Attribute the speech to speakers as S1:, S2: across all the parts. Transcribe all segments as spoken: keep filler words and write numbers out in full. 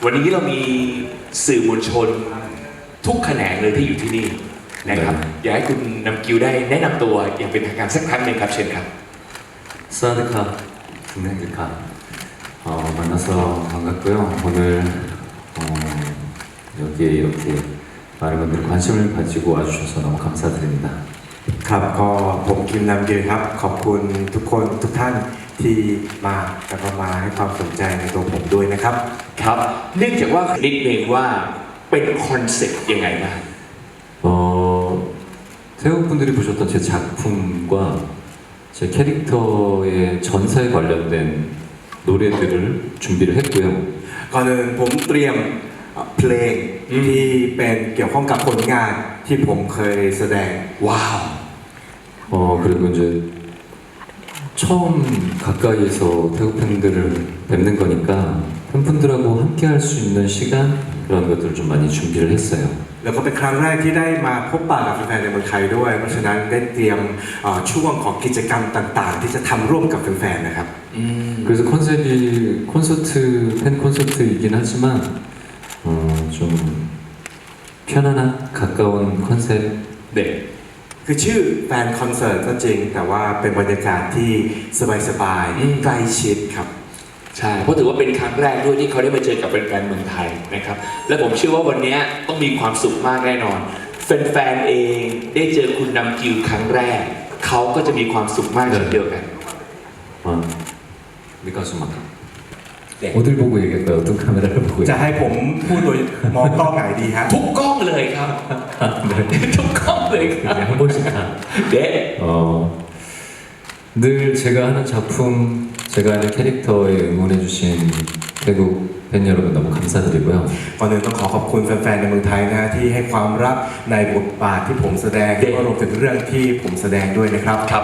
S1: วันนี้เรามีสื่อมวลชนทุกแขนงเลยที่อยู่ที่นี่นะครับอยากให้คุณนำกิวได้แนะนำตัวอย่างเป็นทางการสักครั้งหนึ่งครับเชิญครับ
S2: 사와디캅, 중국이캅. 어, 만나서 반갑고요. 오늘 어, 여기에 이렇게 많은 분들이 관심을 가지고 와주셔서 너무 감사드립니다.
S3: ครับก็ผมคิมนำเกียรติครับขอบคุณทุกคนทุกท่านที่มาแล้วก็มาให้ความสนใจในตัวผมด้วยนะครับ
S1: ครับเนื่องจากว่านิดเองว่าเป็นคอนเซ็ปต์ยังไงบ้าง
S2: 어, 태국 분들이 보셨던 제 작품과 제 캐릭터의 전사에 관련된 노래들을 준비를 했고요.
S3: ก่อนอื่นผมเตรียมเพลงที่เป็นเกี่ยวข้องกับผลงานที่ผมเคยแสดง
S1: ว้าว
S2: 어, 그리고 이제 처음 가까이에서 태국 팬들을 뵙는 거니까 팬분들하고 함께 할 수 있는 시간 그런 것들을 좀 많이 준비를 했어요.
S3: แล้วก็เป็นครั้งแรกที่ได้มาพบปะกับแฟนๆในเมืองไทยด้วยเพราะฉะนั้นได้เตรียมช่วงของกิจกรรมต่างๆที่จะทำร่วมกับแฟนๆนะครับ
S2: 그래서 컨셉이 콘서트 팬 콘서트이긴 하지만 어, 좀 편안한 가까운 컨셉.
S1: 네.
S3: คือชื่อแฟนคอนเสิร์ตก็จริงแต่ว่าเป็นบรรยากาศที่สบายๆใกล้ชิดครับ
S1: ใช่เพราะถือว่าเป็นครั้งแรกด้วยที่เขาได้มาเจอกับแฟนๆเมืองไทยนะครับและผมเชื่อว่าวันนี้ต้องมีความสุขมากแน่นอนแฟนๆเองได้เจอคุณนำกิวครั้งแรกเขาก็จะมีความสุขมากเช่นเดียวกัน
S2: 아, 미카수마카.
S1: 네.
S2: 어딜 보고 얘기할까요? 어떤 카메라를 보고
S3: จะให้ผมพูดโดยมองกล้องไหนดีฮะ
S1: ทุกกล้องเลยครับ ทุกกล้องเลยครับ
S2: 네, 한 번씩 다.
S1: เด็
S2: 어, 늘 제가 하는 작품, 제가 하는 캐릭터에 응원해주신 태국 팬 여러분 너무 감사드리고요.
S3: ก่อนอื่นต้องขอขอบคุณแฟนๆในเมืองไทยนะที่ให้ความรักในบทบาทที่ผมแสดงแล้วก็รวมถึงเรื่องที่ผมแสดงด้วยนะครับ
S1: ครับ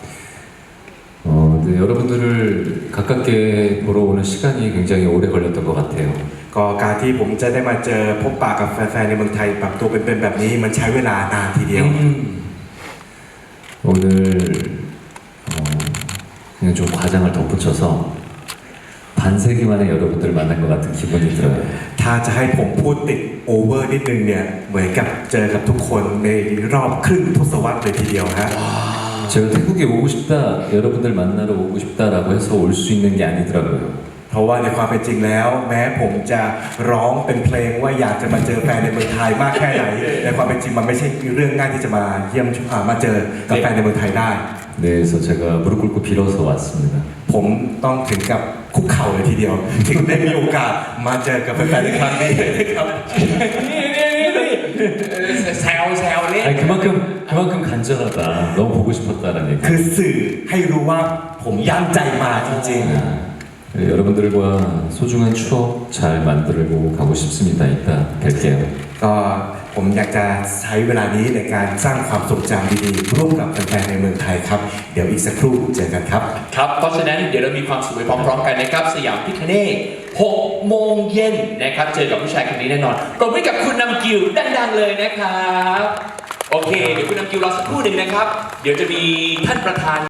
S2: 어, 네, 여러분들을 가깝게 보러 오는 시간이 굉장히 오래 걸렸던 것 같아요.
S3: ก็การที่ผมจะได้มาเจอพบปะกับแฟนๆในเมืองไทยแบบตัวเป็นๆแบบนี้มันใช้เวลานานทีเดียว
S2: 오늘 어, 그냥 좀 과장을 덧붙여서 반세기 만에 여러분들 만난 것 같은 기분이 들어요.
S3: ถ้าจะให้ผมพูดติดโอเวอร์นิดนึงเนี่ยเหมือนกับเจอกับทุกคนในรอบครึ่งทศวรรษเลยทีเดียวฮะ
S2: 제가 태국에 오고 싶다, 여러분들 만나러 오고 싶다라고 해서 올 수 있는 게 아니더라고요.
S3: เพราะว่าในความเป็นจริงแล้ว แม้ผมจะร้องเป็นเพลงว่าอยากจะมาเจอแฟนในเมืองไทยมากแค่ไหนในความเป็นจริงมันไม่ใช่เรื่องง่ายที่จะมาเยี่ยมอ่ามาเจอกับแฟนในเมืองไทยได้
S2: 네, 그래서 제가 무릎 꿇고 빌어서 왔습니다.
S3: ผมต้องถึงกับคุกเข่าเลยทีเดียว ถึงได้มีโอกาสมาเจอกับแฟนๆในครั้งนี้นะครับ
S1: นี่นี่นี่นี่แซวแซวเล่น
S2: 아니 그만큼 그만큼 간절하다, 너무 보고 싶었다라는 얘기.
S3: คือสื่อให้รู้ว่าผมยั่งใจมาจริง
S2: 네, 여러분들과 소중한 추억 잘 만들고 가고 싶습니다. 이따 뵐게요.
S3: ๆ ก็ผมอยากจะใช้เวลานี้ในการสร้างความทรงจำดีๆร่วมกับแฟนๆในเมืองไทยครับ เดี๋ยวอีกสักครู่เจอกันครับ
S1: ครับเพราะฉะนั้นเดี๋ยวเรามีความสุขไปพร้อมๆกันนะครับสยามพิคเนตหกโมงเย็นนะครับเจอกับผู้ชายคนนี้แน่นอนปรบมือกับคุณนำกิวดังๆเลยนะครับโอเคเดี๋ยวคุณนำกิวรอสักครู่หนึ่งนะครับ เดี๋ยวจะมีท่านประธาน